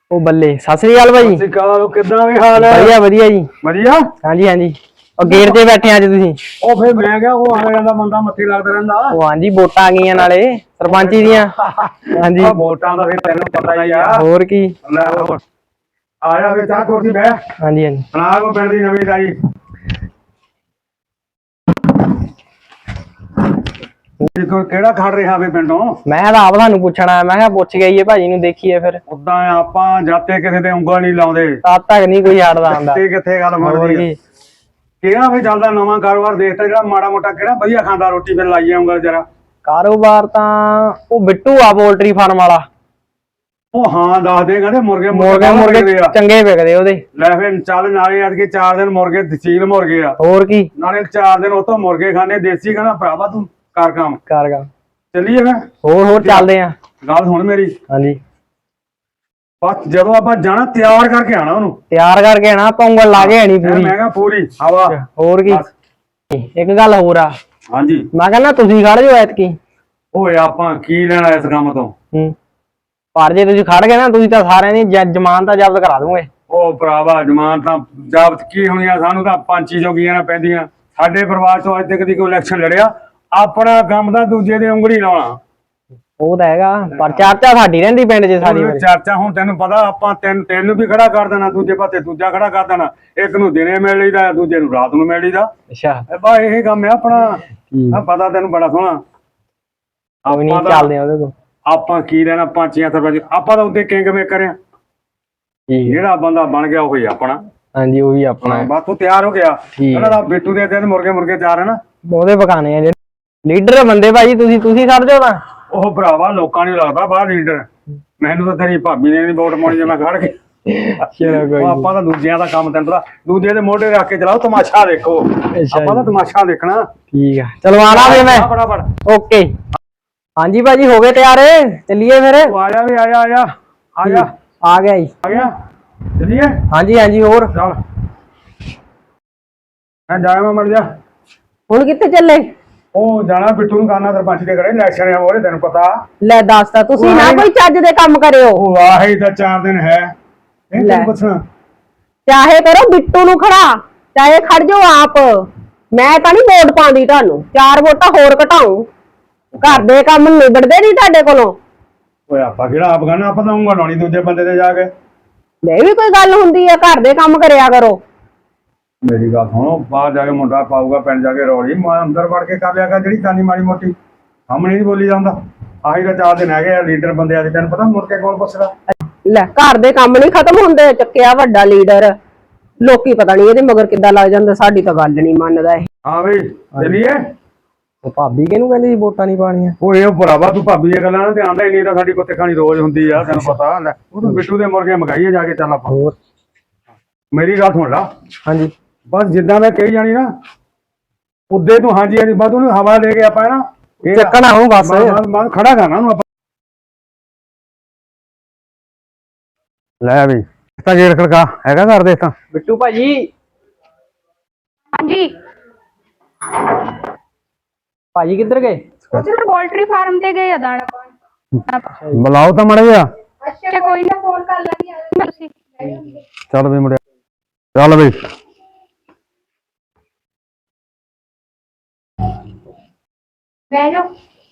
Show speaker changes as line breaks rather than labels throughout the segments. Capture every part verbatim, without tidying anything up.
ਉਹ ਬੱਲੇ ਸਤਿ ਸ੍ਰੀ ਅਕਾਲ ਭਾਜੀ।
ਸਤਿ ਸ੍ਰੀ ਅਕਾਲ। ਕਿੱਦਾਂ ਵੀ ਹਾਲ ਹੈ?
ਵਧੀਆ ਵਧੀਆ ਜੀ।
ਵਧੀਆ।
ਹਾਂਜੀ ਹਾਂਜੀ। ਉਹ ਗੇਟ ਤੇ ਬੈਠੇ ਅੱਜ ਤੁਸੀਂ?
ਉਹ ਫਿਰ ਮੈਂ ਕਿਹਾ ਉਹ ਆ ਜਾਂਦਾ ਬੰਦਾ ਮੱਥੇ ਲੱਗਦਾ ਰਹਿੰਦਾ।
ਉਹ ਹਾਂਜੀ ਵੋਟਾਂ ਆ ਗਈਆਂ ਨਾਲੇ ਸਰਪੰਚੀ ਦੀਆਂ। ਹਾਂਜੀ
ਵੋਟਾਂ ਦਾ ਫਿਰ ਤੈਨੂੰ ਪਤਾ ਹੀ ਆ।
ਹੋਰ ਕੀ।
ਲੈ ਹੋਰ ਆ ਜਾ ਵੇ ਚਾਹ ਕੁਰਸੀ ਬਹਿ।
ਹਾਂਜੀ ਹਾਂਜੀ।
ਸੁਣਾ ਕੋ ਪਿੰਡ ਦੀ ਨਵੀਂ ਤਾਜੀ। ਦੇਖੋ ਕਿਹੜਾ ਖੜ ਰਿਹਾ ਵੇ ਪਿੰਡੋਂ।
ਮੈਂ ਤਾਂ ਆਪ ਤੁਹਾਨੂੰ ਪੁੱਛਣਾ, ਮੈਂ ਕਿਹਾ ਪੁੱਛ ਗਈ ਭਾਜੀ ਨੂੰ ਦੇਖੀਏ ਫਿਰ।
ਉਦਾਂ ਆਪਾਂ ਜਾਤੇ ਕਿਸੇ ਤੇ ਉਂਗਲ ਨਹੀਂ ਲਾਉਂਦੇ।
ਤਦ ਤੱਕ ਨਹੀਂ ਕੋਈ ਹਟਦਾ ਹੁੰਦਾ।
ਕਿੱਥੇ ਗੱਲ ਬਣਦੀ ਆ। ਕਿਹੜਾ ਵੀ ਚੱਲਦਾ ਨਵਾਂ ਕਾਰੋਬਾਰ ਦੇਖਦਾ ਜਿਹੜਾ ਮਾੜਾ ਮੋਟਾ ਕਿਹੜਾ ਵਧੀਆ ਖਾਂਦਾ ਰੋਟੀ ਫਿਰ ਲਾਈ ਜਾਊਗਾ ਜਰਾ।
ਕਾਰੋਬਾਰ ਤਾਂ ਉਹ ਬਿੱਟੂ ਆ ਪੋਲਟਰੀ ਫਾਰਮ ਵਾਲਾ।
ਉਹ ਹਾਂ ਦੱਸ ਦੇ ਕਹਿੰਦੇ ਮੁਰਗੇ
ਮੁਰਗੇ ਮੁਰਗੇ ਚੰਗੇ ਵਿਕਦੇ ਉਹਦੇ।
ਲੈ ਫਿਰ ਚੱਲ ਨਾਲੇ ਅੱਜ ਕੇ ਚਾਰ ਦਿਨ ਮੁਰਗੇ ਤਸੀਲ ਮੁਰਗੇ ਆ।
ਹੋਰ ਕੀ।
ਨਾਲੇ ਚਾਰ ਦਿਨ ਉਤੋਂ ਮੁਰਗੇ ਖਾਣੇ ਦੇਸੀ ਕਹਿੰਦਾ ਭਰਾਵਾ ਤੂੰ ਕਰ ਕੰਮ
ਕਰ ਕੰਮ।
ਚੱਲੀਏ ਫਿਰ।
ਹੋਰ ਹੋਰ ਚੱਲਦੇ ਆ।
ਗੱਲ ਸੁਣ ਮੇਰੀ। ਹਾਂਜੀ। ਬਸ ਜਦੋਂ ਆਪਾਂ ਜਾਣਾ ਤਿਆਰ ਕਰਕੇ ਆਣਾ ਉਹਨੂੰ। ਤਿਆਰ
ਕਰਕੇ ਆਣਾ ਆਪਾਂ ਉਂਗਲ ਲਾ ਕੇ ਆਣੀ ਪੂਰੀ।
ਮੈਂ ਕਿਹਾ ਪੂਰੀ ਹਵਾ।
ਹੋਰ ਕੀ। ਇੱਕ ਗੱਲ ਹੋਰ ਆ।
ਹਾਂਜੀ।
ਮੈਂ ਕਹਿੰਦਾ ਤੁਸੀਂ ਖੜ ਜਾਓ ਐਤਕੀ।
ਓਏ ਆਪਾਂ ਕੀ ਲੈਣਾ ਇਸ ਕੰਮ ਤੋਂ।
ਹੂੰ। ਪਰ ਜੇ ਤੁਸੀਂ ਖੜ ਗਏ ਨਾ ਤੁਸੀਂ ਤਾਂ ਸਾਰਿਆਂ ਦੀ ਜ਼ਮਾਨਤ ਤਾਂ ਜ਼ਬਤ ਕਰਾ ਦੂੰਗੇ। ਉਹ
ਭਰਾਵਾ ਜ਼ਮਾਨਤ ਤਾਂ ਜ਼ਬਤ ਕੀ ਹੋਣੀਆਂ, ਸਾਨੂੰ ਤਾਂ ਪੰਛੀ ਜੋਗੀਆਂ ਨਾ ਪੈਂਦੀਆਂ। ਸਾਡੇ ਪਰਿਵਾਰ ਚੋਂ ਅੱਜ ਤੱਕ ਦੀ ਕੋਈ ਇਲੈਕਸ਼ਨ ਲੜਿਆ। ਆਪਣਾ ਕੰਮ ਤਾਂ ਦੂਜੇ ਦੇ ਉਂਗਲੀ ਲਾਉਣਾ। ਉਹ ਤਾਂ ਹੈਗਾ ਪਰ ਚਰਚਾ ਸਾਡੀ ਰਹਿੰਦੀ ਪਿੰਡ 'ਚ ਸਾਰੀ ਚਰਚਾ। ਹੁਣ ਤੈਨੂੰ ਪਤਾ ਆਪਾਂ ਤੈਨੂੰ ਤੈਨੂੰ ਵੀ ਖੜਾ ਕਰ ਦੇਣਾ, ਦੂਜੇ ਪਾਸੇ ਦੂਜਾ ਖੜਾ ਕਰ ਦੇਣਾ। ਇੱਕ ਨੂੰ ਦਿਨੇ ਮਿਲ ਲਈਦਾ, ਦੂਜੇ ਨੂੰ ਰਾਤ ਨੂੰ ਮਿਲ ਲਈਦਾ। ਅੱਛਾ ਬਸ ਇਹ ਕੰਮ ਹੈ ਆਪਣਾ। ਪਤਾ ਤੈਨੂੰ ਬੜਾ ਸੋਹਣਾ। ਆਪਾਂ ਨਹੀਂ ਚੱਲਦੇ ਉਹਦੇ ਕੋਲ। ਆਪਾਂ ਕੀ ਲੈਣਾ ਪੰਚੀਆਂ ਸਰਪੰਚ। ਆਪਾਂ ਤਾਂ ਉੱਤੇ ਕਿੰਗ ਮੇਕਰ ਆ। ਜਿਹੜਾ ਬੰਦਾ ਬਣ ਗਿਆ ਉਹੀ ਆਪਣਾ। ਹਾਂਜੀ ਉਹੀ ਆਪਣਾ। ਬਸ ਤੂੰ ਤਿਆਰ ਹੋ ਗਿਆ। ਉਹਨਾਂ ਦਾ ਬਿੱਟੂ ਦੇ ਦਿਨ ਮੁਰਗੇ ਮੁਰਗੇ ਚਾਰ ਹੈ ਨਾ ਉਹਦੇ ਪਕਾਣੇ ਆ ਜਿਹੜੇ ਲੀਡਰ ਬੰਦੇ ਭਾਜੀ। ਤੁਸੀਂ ਤੁਸੀਂ ਖੜ ਜਾਓ ਨਾ। ਉਹ ਭਰਾਵਾ ਲੋਕਾਂ ਨੂੰ ਲੱਗਦਾ ਬਾਹਰ ਲੀਡਰ। ਮੈਨੂੰ ਤਾਂ ਤੇਰੀ ਭਾਬੀ ਨੇ ਨੀ ਵੋਟ ਪਾਉਣੀ ਜੇ ਮੈਂ ਖੜ ਕੇ। ਆਪਾਂ ਤਾਂ ਦੂਜਿਆਂ ਦਾ ਕੰਮ ਤੈਨੂੰ ਪਤਾ ਦੂਜੇ ਦੇ ਮੋਢੇ ਰੱਖ ਕੇ ਚਲਾਓ ਤਮਾਸ਼ਾ ਦੇਖੋ। ਆਪਾਂ ਤਾਂ ਤਮਾਸ਼ਾ ਦੇਖਣਾ। ਠੀਕ ਆ ਚਲਵਾਣਾ ਵੇ ਮੈਂ ਫਟਾਫਟ। ਓਕੇ। ਹਾਂਜੀ ਭਾਜੀ ਹੋ ਗਏ ਤਿਆਰ ਚੱਲੀਏ ਫਿਰ। ਆ ਜਾ ਵੀ ਆ ਜਾ ਆ ਜਾ ਆ ਜਾ। ਆ ਗਿਆ ਜੀ। ਆ ਗਿਆ ਚੱਲੀਏ। ਹਾਂਜੀ ਹਾਂਜੀ ਹੋਰ ਚੱਲ। ਮੈਂ ਜਾਇਆ ਮੈਂ ਮਰ ਜਾ। ਹੁਣ ਕਿੱਥੇ ਚੱਲੇ? ਉਹ ਜਾਣਾ ਬਿੱਟੂ ਨੂੰ ਕਰਨਾ ਸਰਪੰਚ ਦੇ ਘਰੇ ਇਲੈਕਸ਼ਨ ਆ ਉਹਦੇ ਤੈਨੂੰ ਪਤਾ। ਲੈ ਦੱਸ ਤਾ ਤੁਸੀਂ ਨਾ ਕੋਈ ਚੱਜ ਦੇ ਕੰਮ ਕਰਿਓ। ਉਹ ਆਹੀ ਤਾਂ ਚਾਰ ਦਿਨ ਹੈ। ਇਹ ਤੈਨੂੰ ਪੁੱਛਣਾ। ਚਾਹੇ ਕਰੋ ਬਿੱਟੂ ਨੂੰ ਖੜਾ ਚਾਹੇ ਖੜ ਜਾਓ ਆਪ। ਮੈਂ ਤਾਂ ਨਹੀਂ ਵੋਟ ਪਾਉਂਦੀ ਤੁਹਾਨੂੰ। ਚਾਰ ਵੋਟਾਂ ਹੋਰ ਘਟਾਉ। ਘਰ ਦੇ ਕੰਮ ਨਿਬੜਦੇ ਨਹੀਂ ਤੁਹਾਡੇ ਕੋਲੋਂ। ਓਏ ਆਪਾਂ ਕਿਹੜਾ ਆਪ ਕਰਨਾ। ਆਪਾਂ ਤਾਂ ਉਂਗਲ ਲਾਉਣੀ ਦੂਜੇ ਬੰਦੇ ਤੇ ਜਾ ਕੇ। ਇਹ ਵੀ ਕੋਈ ਗੱਲ ਹੁੰਦੀ ਆ। ਘਰ ਦੇ ਕੰਮ ਕਰਿਆ ਕਰੋ। ਮੇਰੀ ਗੱਲ ਸੁਣੋ ਬਾਹਰ ਜਾ ਕੇ ਮੁੰਡਾ ਪਾਊਗਾ ਪਿੰਡ ਜਾ ਕੇ ਰੌਲੀ ਮੈਂ ਅੰਦਰ ਵੜ ਕੇ ਕਰ ਲਿਆ ਕਰ ਜਿਹੜੀ ਕਾਨੀ ਮਾੜੀ ਮੋਟੀ ਸਾਹਮਣੇ ਨਹੀਂ ਬੋਲੀ ਜਾਂਦਾ। ਆਹੀ ਤਾਂ ਚਾਰ ਦਿਨ ਹੈਗੇ ਆ ਲੀਡਰ ਬੰਦੇ ਅੱਜ ਤੈਨੂੰ ਪਤਾ ਮੁਰਕੇ ਕੋਲ ਪੁੱਛਦਾ। ਲੈ ਘਰ ਦੇ ਕੰਮ ਨਹੀਂ ਖਤਮ ਹੁੰਦੇ। ਚੱਕਿਆ ਵੱਡਾ ਲੀਡਰ ਲੋਕੀ ਪਤਾ ਨਹੀਂ ਇਹਦੇ ਮਗਰ ਕਿੱਦਾਂ ਲੱਗ ਜਾਂਦੇ। ਸਾਡੀ ਤਾਂ ਗੱਲ ਨਹੀਂ ਮੰਨਦਾ ਇਹ। ਹਾਂ ਬਈ ਚੱਲੀਏ। ਉਹ ਭਾਬੀ ਕਿਹਨੂੰ ਕਹਿੰਦੀ ਵੋਟਾਂ ਨਹੀਂ ਪਾਣੀਆਂ। ਉਹ ਇਹ ਭਰਾਵਾ ਤੂੰ ਭਾਬੀ ਦੀਆਂ ਗੱਲਾਂ ਨਾਲ ਧਿਆਨ ਦੇ। ਨਹੀਂ ਤਾਂ ਸਾਡੀ ਕੁੱਤੇ ਖਾਣੀ ਰੋਜ਼ ਹੁੰਦੀ ਆ ਤੈਨੂੰ ਪਤਾ। ਲੈ ਉਹ ਬਿੱਟੂ ਦੇ ਮੁਰਗੇ ਮਗਾਈਏ ਜਾ ਕੇ ਚੱਲ ਆਪਾਂ। ਹੋਰ ਮੇਰੀ ਗੱਲ ਸੁਣ ਲਾ। ਹਾਂਜੀ ਬਸ ਜਿੱਦਾਂ ਮੈਂ ਕਹੀ ਜਾਣੀ ਨਾ ਉਦੇ ਤੂੰ ਹਾਂਜੀ ਹਾਂਜੀ ਬਸ ਉਹਨੂੰ ਹਵਾ ਦੇ ਕੇ ਆਪਾਂ ਨਾ ਚੱਕਣਾ ਉਹ ਬਸ ਖੜਾ ਕਰਨਾ ਉਹਨੂੰ ਆਪਾਂ। ਲੈ ਵੀ ਤਾਂ ਗੇਟ ਖੜਕਾ ਹੈਗਾ ਘਰ ਦੇ ਤਾਂ ਬਿੱਟੂ ਭਾਜੀ।
ਹਾਂਜੀ
ਭਾਜੀ ਕਿੱਧਰ ਗਏ?
ਉਧਰ ਪੋਲਟਰੀ ਫਾਰਮ ਤੇ ਗਏ ਆ ਦਾਣਾ ਪਾਉਣ।
ਬੁਲਾਓ ਤਾਂ ਮਾੜਾ ਜਿਹਾ।
ਅੱਛਾ ਕੋਈ ਨਾ ਫੋਨ ਕਰ ਲਾਂਗੀ ਤੁਸੀਂ।
ਚੱਲ ਵੀ ਮੁੰਡਿਆ ਚੱਲ ਬਈ।
ਬਹਿ ਜਾਓ।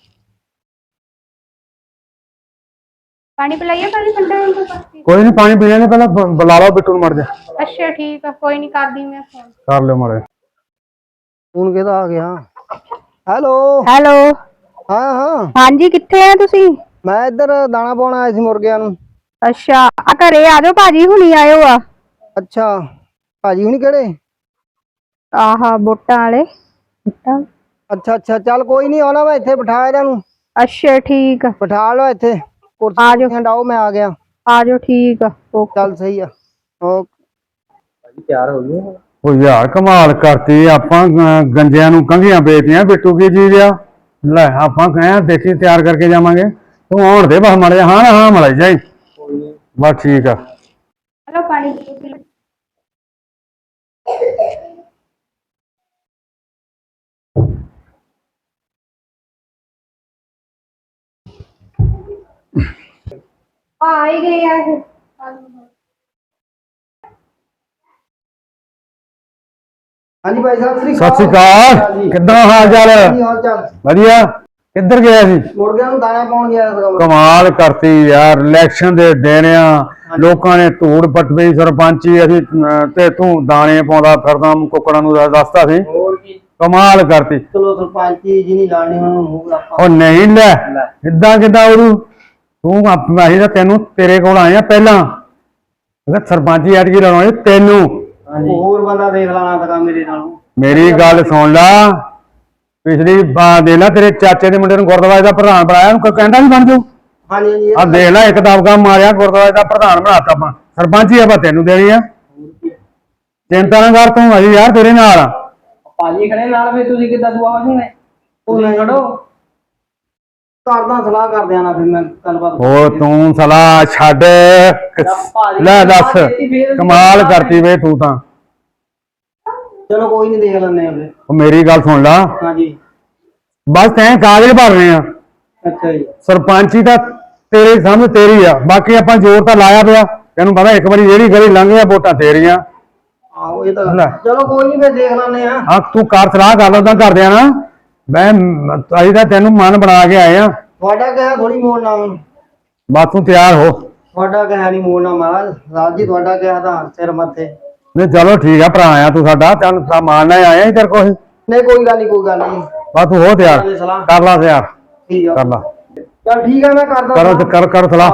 ਪਾਣੀ ਪਿਲਾਈਏ ਪਾਣੀ ਠੰਡਾ ਹੋਊਗਾ।
ਕੋਈ ਨਹੀਂ ਪਾਣੀ ਪੀ ਲੈਣੇ ਪਹਿਲਾਂ ਬੁਲਾ ਲਓ ਬਿੱਟੂ ਨੂੰ ਮੜ ਜਾ।
ਅੱਛਾ ਠੀਕ ਆ ਕੋਈ ਨਹੀਂ ਕਰਦੀ ਮੈਂ ਫੋਨ।
ਕਰ ਲਿਓ ਮਾੜੇ।
ਹੁਣ ਕਿਹਦਾ ਆ ਗਿਆ? ਹੈਲੋ
ਹੈਲੋ
ਹਾਂ ਹਾਂ
ਹਾਂਜੀ ਕਿੱਥੇ ਆ ਤੁਸੀਂ?
ਮੈਂ ਇੱਧਰ ਦਾਣਾ ਪਾਉਣ ਆਇਆ ਸੀ ਮੁਰਗਿਆਂ ਨੂੰ।
ਅੱਛਾ ਆ ਘਰੇ ਆ ਜਾਓ ਭਾਜੀ ਹੁਣੀ ਆਇਓ ਆ।
ਅੱਛਾ ਭਾਜੀ ਹੁਣੀ ਕਿਹੜੇ?
ਆਹਾ ਵੋਟਾਂ ਵਾਲੇ।
ਅੱਛਾ ਅੱਛਾ ਚੱਲ ਕੋਈ ਨਹੀਂ ਆਉਣਾ ਮੈਂ ਇੱਥੇ ਬਿਠਾ ਇਹਨਾਂ ਨੂੰ।
ਅੱਛਾ ਠੀਕ ਆ
ਬਿਠਾ ਲਓ ਇੱਥੇ
ਆ ਜਾਓ।
ਹਟਾਓ ਮੈਂ ਆ ਗਿਆ।
ਆ ਜਾਓ ਠੀਕ ਆ
ਚੱਲ ਸਹੀ ਆ। ਓਕੇ
ਤਿਆਰ ਹੋ ਗਏ।
ਉਹ ਯਾਰ ਕਮਾਲ ਕਰਤੀ ਆਪਾਂ ਗੰਜਿਆਂ ਨੂੰ ਕੰਘੀਆਂ ਵੇਚਦੀਆਂ ਬਿੱਟੂ ਕੀ ਚੀਜ਼ ਆ। ਲੈ ਆਪਾਂ ਕਹੇ ਦੇਖੀ ਤਿਆਰ ਕਰਕੇ ਜਾਵਾਂਗੇ। ਤੂੰ ਆਉਣ ਦੇ ਬਸ ਮਾੜਾ ਜਿਹਾ ਹਾਂ ਹਾਂ ਮਲਾਈ ਜਾਈ ਬਸ ਠੀਕ ਆ।
ਚਲੋ ਪਾਣੀ ਆ ਹੀ ਗਏ ਆ ਇਹ।
ਹਾਂਜੀ ਭਾਈ ਸਾਹਿਬ ਸ੍ਰੀ
ਸਤਿ ਸ਼੍ਰੀ ਅਕਾਲ ਕਿੱਦਾਂ ਹਾਲ ਚਾਲ
ਕੀ ਹਾਲ ਚਾਲ
ਵਧੀਆ ਕਿੱਧਰ ਗਿਆ ਸੀ
ਮੁਰਗਿਆਂ ਨੂੰ ਦਾਣਾ ਪਾਉਣ ਗਿਆ ਸੀਗਾ।
ਕਮਾਲ ਕਰਤੀ ਯਾਰ ਇਲੈਕਸ਼ਨ ਦੇ ਦਿਨ ਆ ਲੋਕਾਂ ਨੇ ਧੂੜ ਪਟਵੀ ਸਰਪੰਚੀ ਅਸੀਂ ਅਹ, ਤੇ ਤੂੰ ਦਾਣੇ ਪਾਉਂਦਾ ਫਿਰਦਾ ਕੁੱਕੜਾਂ ਨੂੰ ਦੱਸ- ਦੱਸਦਾ ਸੀ
ਹੋਰ ਕੀ
ਕਮਾਲ ਕਰਤੀ
ਚਲੋ ਸਰਪੰਚੀ ਜੀ ਨਹੀਂ ਲਾਣੀ ਉਹਨਾਂ ਨੂੰ ਮੂੰਹ ਆਪਾਂ
ਉਹ ਨਹੀਂ ਲੈ ਇਦਾਂ ਕਿੱਦਾਂ ਉਹਨੂੰ ਤੂੰ ਆਪ- ਅਸੀਂ ਤਾਂ ਤੈਨੂੰ ਤੇਰੇ ਕੋਲ ਆਏ ਆ ਪਹਿਲਾਂ ਮੈਂ ਕਿਹਾ ਸਰਪੰਚੀ ਐਤਕੀ ਲਾਉਣੀ ਤੈਨੂੰ
ਹੋਰ ਬੰਦਾ ਦੇਖ ਲਾਣਾ ਸੀਗਾ ਮੇਰੇ ਨਾਲੋਂ।
ਮੇਰੀ ਗੱਲ ਸੁਣ ਲਾ ਪਿਛਲੀ ਵਾਰ ਦੇ ਲਾ ਤੇਰੇ ਚਾਚੇ ਦੇ ਮੁੰਡੇ ਨੂੰ ਗੁਰਦੁਆਰੇ ਦਾ ਪ੍ਰਧਾਨ ਬਣਾਇਆ ਉਹਨੂੰ ਕੋਈ ਕਹਿੰਦਾ ਨਹੀਂ ਬਣ ਜਾਊ
ਹਾਂਜੀ ਹਾਂਜੀ ਇਹ
ਆ ਦੇਖ ਲੈ ਇੱਕ ਦਬਕਾ ਮਾਰਿਆ ਗੁਰਦੁਆਰੇ ਦਾ ਪ੍ਰਧਾਨ ਬਣਾਤਾ ਆਪਾਂ ਸਰਪੰਚੀ ਆਪਾਂ ਤੈਨੂੰ ਦੇਣੀ ਆ ਚਿੰਤਾ ਨਾ ਕਰ ਤੂੰ ਅਜੀ ਯਾਰ ਤੇਰੇ ਨਾਲ ਆ
ਭਾਜੀ ਖੜੇ ਨਾਲ ਵੀ ਤੁਸੀਂ ਕਿੱਦਾਂ ਦੁਆ ਹੋ ਜੂਗੇ
ਉਹ ਨਹੀਂ ਖੜੋ ਕਰਦਾ ਸਲਾਹ ਕਰਦੇ ਆ ਨਾ ਫਿਰ ਮੈਂ ਗੱਲਬਾਤ
ਉਹ ਤੂੰ ਸਲਾਹ ਛੱਡ ਲੈ ਦੱਸ ਕਮਾਲ ਕਰਤੀ ਵੇ ਤੂੰ ਤਾਂ
ਚਲੋ ਕੋਈ ਨਹੀਂ ਦੇਖ ਲੈਂਦੇ ਆ ਫਿਰ।
ਉਹ ਮੇਰੀ ਗੱਲ ਸੁਣ ਲਾ
ਹਾਂਜੀ
ਬਸ ਤੈਂ ਕਾਗਜ਼ ਭਰਨੇ ਆ
ਅੱਛਾ ਜੀ
ਸਰਪੰਚੀ ਤਾਂ ਤੇਰੇ ਸਾਹਮਣੇ ਤੇਰੀ ਆ ਬਾਕੀ ਆਪਾਂ ਜ਼ੋਰ ਤਾਂ ਲਾਇਆ ਪਿਆ ਤੈਨੂੰ ਪਤਾ ਇੱਕ ਵਾਰੀ ਜਿਹੜੀ ਗਲੀ ਲੰਘ ਗਿਆ ਵੋਟਾਂ ਤੇਰੀਆਂ
ਆਹੋ ਇਹ ਤਾਂ
ਲੈ।
ਚਲੋ ਕੋਈ ਨਹੀਂ ਫਿਰ ਦੇਖ ਲੈਂਦੇ ਆ।
ਆ ਤੂੰ ਕਰ ਸਲਾਹ ਕਰ ਲਓ ਕਰਦੇ ਆ ਨਾ ਮੈਂ ਅਸੀਂ ਤਾਂ ਤੈਨੂੰ ਮਨ ਬਣਾ ਕੇ ਆਏ ਆ
ਤੁਹਾਡਾ ਕਿਹਾ ਥੋੜੀ ਮੋੜਨਾ ਹੁਣ।
ਬਸ ਤੂੰ ਤਿਆਰ ਹੋ
ਤੁਹਾਡਾ ਕਿਹਾ ਨਹੀਂ ਮੋੜਨਾ ਮਹਾਰਾਜ ਰਾਜ ਜੀ ਤੁਹਾਡਾ ਕਿਹਾ ਤਾਂ ਸਿਰ ਮੱਥੇ।
ਨਹੀਂ ਚਲੋ ਠੀਕ ਆ ਭਰਾ ਆ ਤੂੰ ਸਾਡਾ ਤੈਨੂੰ ਤਾਂ ਮਾਨਣਾ ਆਇਆ ਹੀ ਤੇਰੇ ਕੋਲ
ਨਹੀਂ ਕੋਈ ਗੱਲ ਨਹੀਂ ਕੋਈ ਗੱਲ ਨਹੀਂ
ਬਸ ਤੂੰ ਹੋ ਤਿਆਰ ਕਰ ਲਾ ਤਿਆਰ
ਠੀਕ ਆ
ਕਰ ਲਾ
ਚਲ ਠੀਕ ਆ ਮੈਂ ਕਰਦਾ
ਕਰੋ ਤੇ ਕਰ ਕਰ ਸਲਾਹ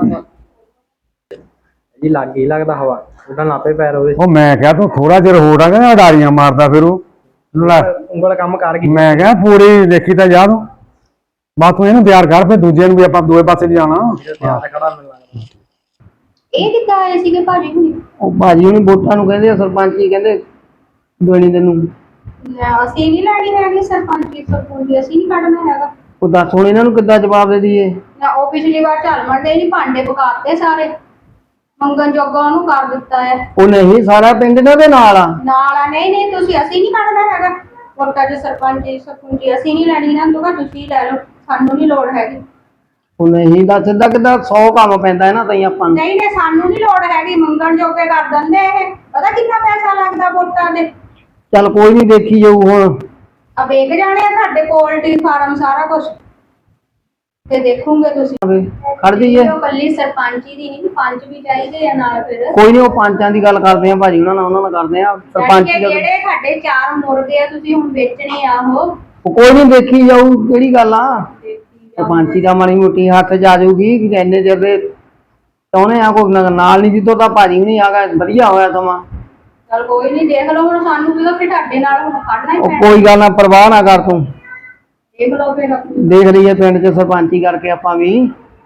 ਜੀ ਲੱਗ ਹੀ ਲੱਗਦਾ ਹਵਾ ਉਹਦਾ ਨਾਪੇ ਪੈਰ ਹੋਵੇ
ਉਹ ਮੈਂ ਕਿਹਾ ਤੂੰ ਥੋੜਾ ਜਿਹਾ ਹੋਰ ਆ ਕਹਿੰਦਾ ਉਡਾਰੀਆਂ ਮਾਰਦਾ ਫਿਰ ਉਹ ਲੈ
ਉਂਗਲ ਕੰਮ ਕਰ ਗਈ
ਮੈਂ ਕਿਹਾ ਪੂਰੀ ਦੇਖੀ ਤਾਂ ਜਾ ਤੂੰ ਬਸ ਤੂੰ ਇਹਨੂੰ ਤਿਆਰ ਕਰ ਫਿਰ ਦੂਜੇ ਨੂੰ ਵੀ ਆਪਾਂ ਦੋਏ ਪਾਸੇ ਵੀ ਜਾਣਾ
ਖੜਾ ਮੈਨੂੰ ਲੱਗਦਾ
ਇਹ ਕਿੱਦਾਂ ਆਏ ਸੀਗੇ ਭਾਜੀ ਹੁਣੀ?
ਉਹ ਭਾਜੀ ਉਹਨੇ ਵੋਟਾਂ ਨੂੰ ਕਹਿੰਦੇ ਆ, ਸਰਪੰਚ ਜੀ ਕਹਿੰਦੇ ਦੇਣੀ ਤੈਨੂੰ।
ਲੈ, ਅਸੀਂ ਨਹੀਂ ਲੈਣੀ ਹੈਗੀ ਸਰਪੰਚੀ ਸਰਪੰਚੀ ਅਸੀਂ ਨਹੀਂ ਕੱਢਣਾ ਹੈਗਾ।
ਉਹ ਦੱਸ ਹੁਣ ਇਹਨਾਂ ਨੂੰ ਕਿੱਦਾਂ ਜਵਾਬ ਦੇ ਦਈਏ।
ਨਾ ਉਹ ਪਿਛਲੀ ਵਾਰ ਝਾਲ ਮਰਦੇ ਨਹੀਂ ਭਾਂਡੇ ਪਕਾਤੇ ਸਾਰੇ ਮੰਗਣ ਜੋਗਾ ਉਹਨੂੰ ਕਰ ਦਿੱਤਾ ਹੈ।
ਉਹ ਨਹੀਂ ਸਾਰਾ ਪਿੰਡ ਇਹਨਾਂ ਦੇ ਨਾਲ ਆ।
ਨਾਲ ਆ ਨਹੀਂ ਨਹੀਂ ਤੁਸੀਂ ਅਸੀਂ ਨਹੀਂ ਕੱਢਣਾ ਹੈਗਾ ਵੋਟਾਂ ਚ ਸਰਪੰਚੀ ਸਰਪੰਚੀ ਅਸੀਂ ਨਹੀਂ ਲੈਣੀ ਨਾ ਦੁਗਾ ਤੁਸੀਂ ਲੈ ਲਓ ਸਾਨੂੰ ਨਹੀਂ ਲੋੜ ਹੈਗੀ।
ਉਹ ਨਹੀਂ ਦੱਸ ਸਿੱਧਾ ਕਿੱਦਾਂ ਸੌ ਕੰਮ ਪੈਂਦਾ ਇਹਨਾਂ ਤਾਈ ਆਪਾਂ ਨੂੰ।
ਨਹੀਂ ਨਹੀਂ ਸਾਨੂੰ ਨਹੀਂ ਲੋੜ ਹੈਗੀ ਮੰਗਣ ਜੋਗੇ ਕਰ ਦਿੰਦੇ ਇਹ ਪਤਾ ਕਿੰਨਾ ਪੈਸਾ ਲੱਗਦਾ ਵੋਟਾਂ ਦੇ।
ਚੱਲ ਕੋਈ ਨਹੀਂ ਦੇਖੀ ਜਾਊ ਹੁਣ।
ਆ ਵੇਖ ਜਾਣੇ ਆ ਸਾਡੇ ਪੋਲਟਰੀ ਫਾਰਮ ਸਾਰਾ ਕੁਝ ਤੇ ਦੇਖੋਗੇ ਤੁਸੀਂ।
ਖੜ ਜਾਈਏ
ਉਹ ਕੱਲੀ ਸਰਪੰਚੀ ਦੀ ਨਹੀਂ ਪੰਜ ਵੀ ਚਾਹੀਦੇ ਆ ਨਾਲ ਫਿਰ।
ਕੋਈ ਨਹੀਂ ਉਹ ਪੰਚਾਂ ਦੀ ਗੱਲ ਕਰਦੇ ਆ ਭਾਜੀ ਉਹਨਾਂ ਨਾਲ ਉਹਨਾਂ ਨਾਲ ਕਰਦੇ ਆ ਸਰਪੰਚ
ਯਾਨੀ ਕਿ ਜਿਹੜੇ ਸਾਡੇ ਚਾਰ ਮੁਰਗੇ ਆ ਤੁਸੀਂ ਹੁਣ ਵੇਚਣੇ ਆ ਉਹ
ਉਹ ਕੋਈ ਨਹੀਂ ਦੇਖੀ ਜਾਊ ਕਿਹੜੀ ਗੱਲ ਆ। ਸਰਪੰਚੀ ਦਾ ਮਾੜੀ ਮੋਟੀ ਹੱਥ ਜਾ ਜਾਊਗੀ ਕਿ ਇੰਨੇ ਚਿਰ ਦੇ ਚਾਹੁੰਦੇ ਆ ਕੋਈ ਨਾਲ ਨਹੀਂ ਜਿੱਦੋਂ ਤਾਂ ਭਾਜੀ ਨਹੀਂ ਆਗਾ ਵਧੀਆ ਹੋਇਆ ਸਮਾਂ।
ਚਲ ਕੋਈ ਨਹੀਂ ਦੇਖ ਲਓ ਹੁਣ ਸਾਨੂੰ ਵੀ ਤਾਂ ਫਿਰ ਤੁਹਾਡੇ ਨਾਲ ਹੁਣ ਕੱਢਣਾ ਹੀ
ਉਹ
ਪੈਣਾ।
ਕੋਈ ਗੱਲ ਨਾ ਪਰਵਾਹ ਨਾ ਕਰ ਤੂੰ
ਦੇਖ ਲਓ ਫਿਰ ਆਪਣੀ।
ਦੇਖ ਲਈਏ ਪਿੰਡ 'ਚ ਸਰਪੰਚੀ ਕਰਕੇ ਆਪਾਂ ਵੀ।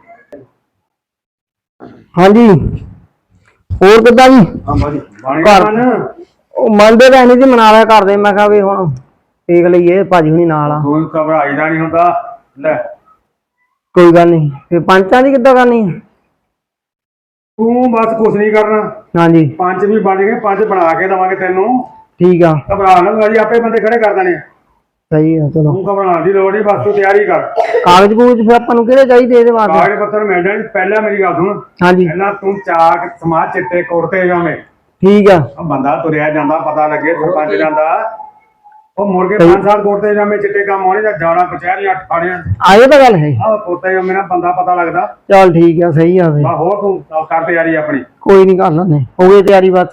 ਹਾਂਜੀ ਹੋਰ ਕਿੱਦਾਂ ਜੀ ਘਰ ਉਹ ਮੰਨਦੇ ਤਾਂ ਨਹੀਂ ਜੀ ਮਨਾ ਲਿਆ ਕਰਦੇ ਮੈਂ ਕਿਹਾ ਵੀ ਹੁਣ ਦੇਖ ਲਈਏ ਭਾਜੀ ਹੁਣੀ ਨਾਲ ਆ।
ਕੋਈ ਘਬਰਾਈ ਦਾ ਨਹੀਂ ਹੁੰਦਾ ਲੈ
ਕੋਈ ਗੱਲ ਨਹੀਂ ਫਿਰ ਪੰਚਾਂ ਦੀ ਕਿੱਦਾਂ ਕਰਨੀ ਆ?
ਤੂੰ ਬਸ ਕੁਛ ਨਹੀਂ ਕਰਨਾ
ਹਾਂਜੀ
ਪੰਜ ਵੀ ਬਣ ਗਏ ਪੰਜ ਬਣਾ ਕੇ ਦਵਾਂਗੇ ਤੈਨੂੰ
ਠੀਕ ਆ
ਘਬਰਾ ਨਾ ਤੂੰ ਅਸੀਂ ਆਪੇ ਬੰਦੇ ਖੜੇ ਕਰ ਦੇਣੇ ਆ।
ਸਹੀ ਆ ਚਲੋ
ਤੂੰ ਘਬਰਾਉਣ ਦੀ ਲੋੜ ਨਹੀਂ ਬਸ ਤੂੰ ਤਿਆਰੀ ਕਰ।
ਕਾਗਜ਼ ਕੂਗਜ਼ ਫਿਰ ਆਪਾਂ ਨੂੰ ਕਿਹੜੇ ਚਾਹੀਦੇ ਇਹਦੇ ਵਾਸਤੇ?
ਕਾਗਜ਼ ਪੱਤਰ ਮਿਲ ਜਾਣੇ ਪਹਿਲਾਂ ਮੇਰੀ ਗੱਲ ਸੁਣ
ਹਾਂਜੀ
ਪਹਿਲਾਂ ਤੂੰ ਚਾਕ ਸਮਾਜ ਚਿੱਟੇ ਕੁੜਤੇ ਜਾਵੇਂ
ਠੀਕ ਆ
ਉਹ ਬੰਦਾ ਤੁਰਿਆ ਜਾਂਦਾ ਪਤਾ ਲੱਗੇ ਸਰਪੰਚ ਜਾਂਦਾ ਉਹ ਮੁੜ ਕੇ ਪੰਜ ਸਾਲ ਕੁੜਤੇ ਜਾਵੇਂ ਚਿੱਟੇ ਕੰਮ ਹੋਣੇ ਜਾਂ ਜਾਣਾ ਕਚਹਿਰੀਆਂ ਠਾਣਿਆਂ
ਆ ਇਹ ਤਾਂ ਗੱਲ ਹੈ।
ਆਹ ਕੁੜਤੇ ਜਾਵੇਂ ਨਾਲ ਬੰਦਾ ਪਤਾ ਲੱਗਦਾ।
ਚਲ ਠੀਕ ਆ ਸਹੀ ਆ ਫਿਰ
ਬਾ ਹੋਰ ਤੂੰ ਕਰ ਤਿਆਰੀ ਆਪਣੀ।
ਕੋਈ ਨਹੀਂ ਕਰ ਲੈਂਦੇ ਹੋ ਗਈ ਤਿਆਰੀ ਬਸ।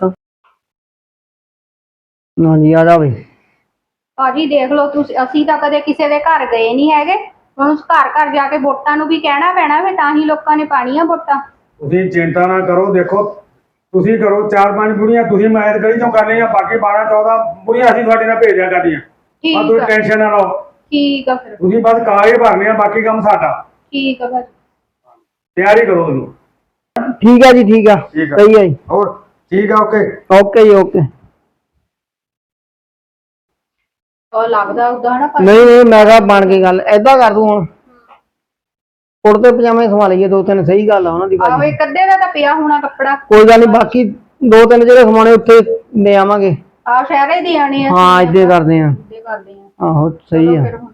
ਹਾਂਜੀ ਆ ਜਾ ਬਈ
ਭਾਜੀ ਦੇਖ ਲਓ ਤੁਸੀਂ ਅਸੀਂ ਤਾਂ ਕਦੇ ਕਿਸੇ ਦੇ ਘਰ ਗਏ ਨਹੀਂ ਹੈਗੇ ਹੁਣ ਉਸ ਘਰ ਘਰ ਜਾ ਕੇ ਵੋਟਾਂ ਨੂੰ ਵੀ ਕਹਿਣਾ ਪੈਣਾ ਫਿਰ ਤਾਂ ਹੀ ਲੋਕਾਂ ਨੇ ਪਾਣੀਆਂ ਵੋਟਾਂ।
ਤੁਸੀਂ ਚਿੰਤਾ ਨਾ ਕਰੋ ਦੇਖੋ ਤੁਸੀਂ ਕਰੋ ਚਾਰ ਪੰਜ ਬੁੜੀਆਂ ਤੁਸੀਂ ਮੈਦ ਗਲੀ ਚੋਂ ਕਰ ਲਈਆਂ ਬਾਕੀ ਬਾਰਾਂ ਚੌਦਾਂ ਬੁੜੀਆਂ ਅਸੀਂ ਤੁਹਾਡੇ ਨਾਲ ਭੇਜਿਆ ਕਰਦੀਆਂ। ਆ
ਠੀਕ
ਤੁਸੀਂ
ਆ
ਟੈਨਸ਼ਨ ਨਾ ਲਓ
ਠੀਕ ਆ ਫਿਰ
ਤੁਸੀਂ ਬਸ ਕਾਗਜ਼ ਭਰਨੇ ਆ ਬਾਕੀ ਕੰਮ ਸਾਡਾ।
ਠੀਕ ਆ ਭਾਜੀ
ਤਿਆਰੀ ਕਰੋ ਤੁਸੀਂ।
ਠੀਕ ਆ ਜੀ ਠੀਕ ਆ
ਠੀਕ ਆ।
ਸਹੀ ਆ ਜੀ
ਹੋਰ ਠੀਕ ਆ ਓਕੇ
ਓਕੇ ਜੀ ਓਕੇ।
ਉਹ ਲੱਗਦਾ ਉਦਾਂ ਨਾ
ਨਹੀਂ ਨਹੀਂ ਮੈਂ ਕਿਹਾ ਬਣ ਗਈ ਗੱਲ ਏਦਾਂ ਕਰ ਦੂੰ ਹੁਣ ਕੁੜਤੇ ਪਜਾਮੇ ਸਵਾ ਲਈਏ ਦੋ ਤਿੰਨ ਸਹੀ ਗੱਲ ਆ ਉਹਨਾਂ ਦੀ
ਆਹੋ
ਭਾਜੀ।
ਇੱਕ ਅੱਧੇ ਦਾ ਤਾਂ ਪਿਆ ਹੋਣਾ ਕੱਪੜਾ
ਕੋਈ ਗੱਲ ਨਹੀਂ ਬਾਕੀ ਦੋ ਤਿੰਨ ਜਿਹੜੇ ਸਮਾਣੇ ਉੱਥੇ ਲੈ ਆਵਾਂਗੇ।
ਆ ਸ਼ਹਿਰੇ ਦੇ ਆਣੇ ਆ
ਹਾਂ ਇੱਦੇ ਕਰਦੇ ਆ
ਇੱਦੇ ਕਰਦੇ ਆ
ਆਹੋ ਸਹੀ ਆ।
ਫਿਰ ਹੁਣ